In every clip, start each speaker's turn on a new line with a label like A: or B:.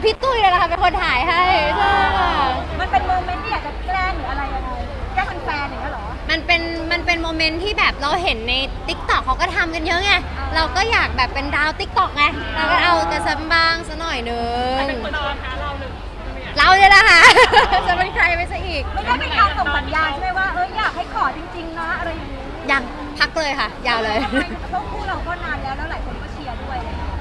A: พี่ตุ้ยเลยนะคะเป็นคนถ่ายให้ใช่ค่ะ
B: มันเป็นโมเมนต์ที่อยากจะแกล้งหรืออะไรยังไงแกล้งแฟนๆอย่างเงี้ยเหรอ
A: มันเป็นโมเมนต์ที่แบบเราเห็นใน TikTok เขาก็ทำกันเยอะไงเราก็อยากแบบเป็นดาว TikTok ไงเราก็เอากระซับบ้างสักหน่อยนึง
C: เป็นคนนอนคะเราหรือ
A: เราเนี่ยแหละค่ะ จะเป็นใครไปซะอีก
B: ไม่ได้เป็นการส่งสัญญาณใช่ไหมว่าอยากให้ขอจริงๆนะอะไรอย่างนี้
A: ยังพักเลยค่ะ ยาวเลย
B: ทำไมเพราะคู่เราก็นานแล้วหลายคนก็เชียร์ด้วยอะไรอย่างเงี้ย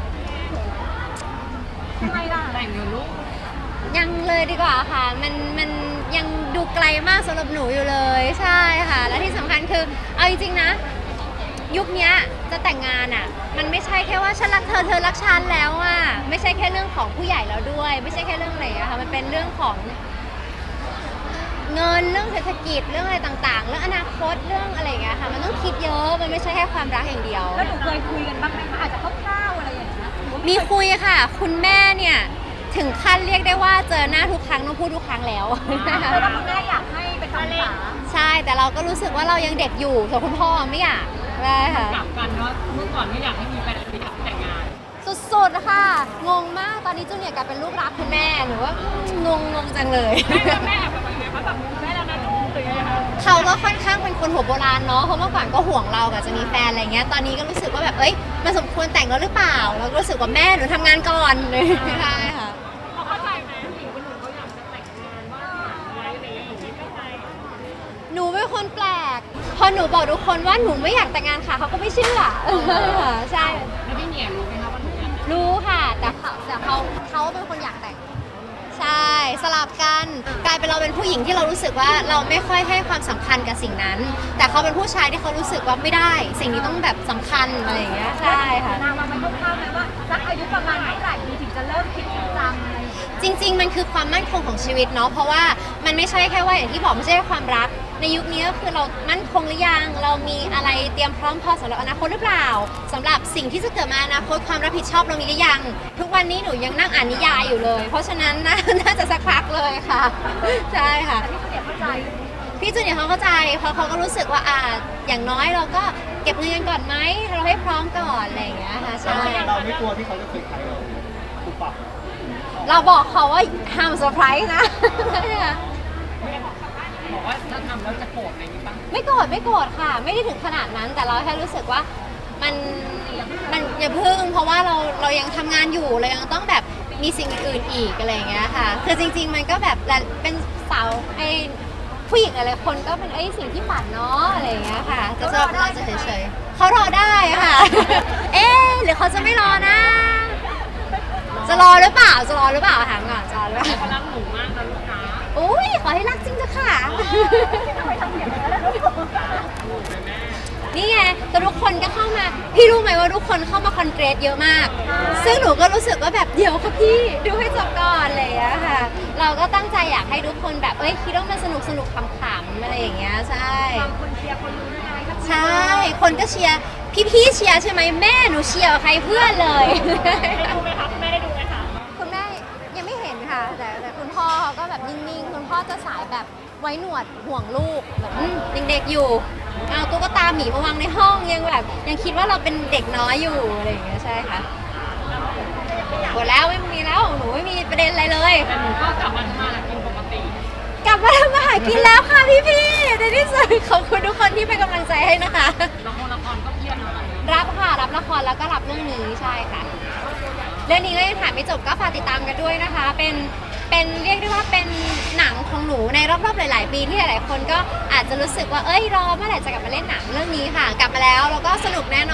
B: ทำไมล่ะ
C: แต่งอยู่ลูก
A: ยังเลยดีกว่าค่ะมันยังดูไกลมากสำหรับหนูอยู่เลยใช่ค่ะและที่สำคัญคือเอาจริงๆนะยุคนี้จะแต่งงานอ่ะมันไม่ใช่แค่ว่าฉันรักเธอเธอรักฉันแล้วอ่ะไม่ใช่แค่เรื่องของผู้ใหญ่แล้วด้วยไม่ใช่แค่เรื่องอะไรอะค่ะมันเป็นเรื่องของเงินเรื่องเศรษฐกิจเรื่องอะไรต่างๆเรื่องอนาคตเรื่องอะไรอย่างเงี้ยค่ะมันต้องคิดเยอะมันไม่ใช่แค่ความรักอย่างเดียว
B: แล้วหนูเคยคุยกันบ้างไหมคะอาจจะคร่าวๆอะไรอย่างเงี้ย
A: มีคุยค่ะคุณแม่เนี่ยถึงขั้นเรียกได้ว่าเจอหน้าทุกครั้งต้องพูดทุกครั้งแล้ว
B: เพราะว่าคุณแม่อยากให้เป็นคำถาม
A: ใช่แต่เราก็รู้สึกว่าเรายังเด็กอยู่ส่วนคุณพ่อไม่อยากได้ค่ะ
C: กลับกันเนาะเมื่อก่อนไม่อยากให้มีแฟนไม่อยากแต่งงาน
A: สุดๆค่ะงงมากตอนนี้จูเนียร์กลายเป็นลูกรักคุณแม่หนูว่างงจังเลย
C: แม่แบบยังไงเขาแบบแม่แล้วนะลูกหรือยังไงคะ
A: เขาก็ค่อนข้างเป็นคนหัวโบราณเนาะเพราะเมื่อก่อนก็ห่วงเราแบบจะมีแฟนอะไรเงี้ยตอนนี้ก็รู้สึกว่าแบบเอ้ยมันสมควรแต่งแล้วหรือเปล่าเราก็รู้สึกว่าแม่หนูทำงานก่อนเลยใช่ค่ะ
C: เขาเข้าใจไหมหญิงคนหนึ่งเขาอยากจะแต่งงานว่าไว้อะไรอย่างเงี้ยหนูไม่เข้าใจ
A: หนูเป็นคนแปลกพอหนูบอกทุกคนว่าหนูไม่อยากแต่งงานค่ะเขาก็ไม่เชื่อใช่
C: แล้วพี่เหนียรู้ไหมคะว่าหนูอยาก
A: รู้ค่ะแต่เขาเป็นคนอยากแต่งใช่สลับกันกลายเป็นเราเป็นผู้หญิงที่เรารู้สึกว่าเราไม่ค่อยให้ความสำคัญกับสิ่งนั้นแต่เขาเป็นผู้ชายที่เขารู้สึกว่าไม่ได้สิ่งนี้ต้องแบบสำคัญอะไรอย่างเงี้ยใช่ค่ะ
B: นางมาคร่าวๆไหมว่าสักอายุประมาณเท่าไหร่ดีถึงจะเริ่มคิดจริงจังอะไร
A: จริงๆมันคือความมั่นคงของชีวิตเนาะเพราะว่ามันไม่ใช่แค่ว่าอย่างที่บอกไม่ใช่แค่ความรักในยุคนี้ก็คือเรามั่นคงหรือยังเรามีอะไรเตรียมพร้อมพอสำหรับอนาคตหรือเปล่าสำหรับสิ่งที่จะเกิดมาอนาคตความรับผิดชอบเรามีหรือยังทุกวันนี้หนูยังนั่งอ่านนิยายอยู่เลยเพราะฉะนั้นน่าจะสักพักเลยค่ะใช่ค่ะพี่จูเนียร์เขาเข้าใจเพราะเขาก็รู้สึกว่าอย่างน้อยเราก็เก็บเงินกันก่อนไหมเราให้พร้อมก่อนอะไรอย่างเงี้ยค่ะใช่
D: เราไม่กลัวที่เขาจะเซอร์ไพรส์เราปุบปับ
A: เราบอกเขาว่าห้ามเซอร์ไพรส์นะ
C: บอกว่าถ้าทำแล้วจะโกรธอะไรนี้ป่ะ
A: ไม่โกรธค่ะไม่ได้ถึงขนาดนั้นแต่เราแค่รู้สึกว่ามันอย่าพึ่งเพราะว่าเรายังทำงานอยู่เรายังต้องแบบมีสิ่งอื่นๆอีกอะไรอย่างเงี้ยค่ะคือจริงๆมันก็แบบเป็นสาวผู้หญิงอะไรคนก็เป็นสิ่งที่ฝันเนาะอะไรอย่างเงี้ยค่ะจะเราจะเฉยๆเขารอได้ค่ะหรือเขาจะไม่รอนะจะรอหรือเปล่าถามก่อนจะรอหรือเปล่า
C: เขารักหนูมากนะลูกค้า
A: อุ้ยขอให้รักจริงจ้ะค่ะนี่ไงแต่ทุกคนก็เข้ามาพี่รู้ไหมว่าทุกคนเข้ามาคอนเกรสเยอะมากซึ่งหนูก็รู้สึกว่าแบบเดี๋ยวค่ะพี่ดูให้จบก่อนอะไรอย่างเงี้ยค่ะเราก็ตั้งใจอยากให้ทุกคนแบบคิดว่ามันสนุกขำๆอะไรอย่างเงี้ยใช่
B: คนเชียร์คนรู้ยังไงครับ
A: ใช่คนก็เชียร์พี่เชียร์ใช่ไหมแม่หนูเชียร์ใครเพื่อนเลย
C: ได้ดูไหมคะแม่ได้ดูไหมคะ
A: คุณแม่ยังไม่เห็นค่ะแต่คุณพ่อเขาก็แบบนิ่งๆคุณพ่อจะสายแบบไว้หนวดห่วงลูกแบบเด็กๆอยู่เอาตุ๊กตาหมีมาวางในห้องยังคิดว่าเราเป็นเด็กน้อยอยู่อะไรอย่างเงี้ยใช่ค่ะหมดแล้วไม่มีแล้วหนูไม่มีประเด็นอะไรเลย
C: แต่หนูก็กลับมาทำมาหากินปกติ
A: กลับมาทำมาหากินแล้วค่ะพี่ในที่สุดขอบคุณทุกคนที่เป็นกำลังใจให้นะคะ
C: ละครก็เพียบแล้ว
A: รับค่ะรับละครแล้วก็รับเรื่องนี้ใช่ค่ะเรื่องนี้ก็ยังถ่ายไม่จบก็ฝากติดตามกันด้วยนะคะเป็นเรียกได้ว่าเป็นหนังของหนูในรอบๆหลายๆปีที่หลายๆคนก็อาจจะรู้สึกว่ารอเมื่อไหร่จะกลับมาเล่นหนังเรื่องนี้ค่ะกลับมาแล้วก็สนุกแน่น